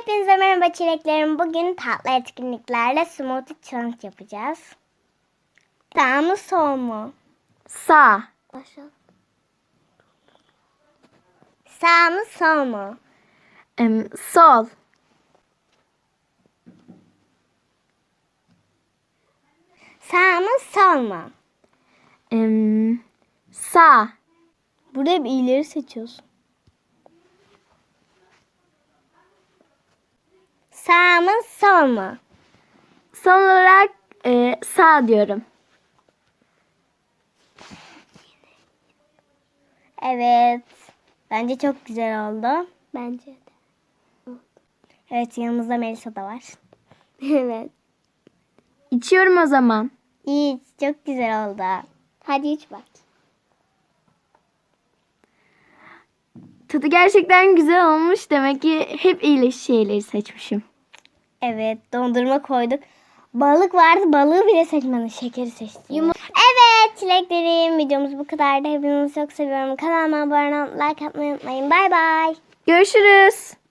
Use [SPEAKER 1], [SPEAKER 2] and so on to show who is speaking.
[SPEAKER 1] Hepinize merhaba çileklerim. Bugün tatlı etkinliklerle smoothie challenge yapacağız. Sağ mı sol mu?
[SPEAKER 2] Sağ.
[SPEAKER 1] Başla. Sağ mı sol mu?
[SPEAKER 2] Sol.
[SPEAKER 1] Sağ mı sol mu?
[SPEAKER 2] Sağ.
[SPEAKER 1] Burada hep iyileri seçiyorsun. Sağ mı sol mu?
[SPEAKER 2] Son olarak sağ diyorum.
[SPEAKER 1] Evet. Bence çok güzel oldu.
[SPEAKER 2] Bence de.
[SPEAKER 1] Evet, yanımızda Melisa da var. Evet.
[SPEAKER 2] İçiyorum o zaman.
[SPEAKER 1] İyi, çok güzel oldu. Hadi iç bak.
[SPEAKER 2] Tadı gerçekten güzel olmuş. Demek ki hep iyi şeyleri seçmişim.
[SPEAKER 1] Evet, dondurma koyduk. Balık vardı, balığı bile seçmedim. Şekeri seçtim. Evet çileklerim, videomuz bu kadardı. Hepinizi çok seviyorum. Kanalıma abone olmayı, like atmayı unutmayın. Bay bay.
[SPEAKER 2] Görüşürüz.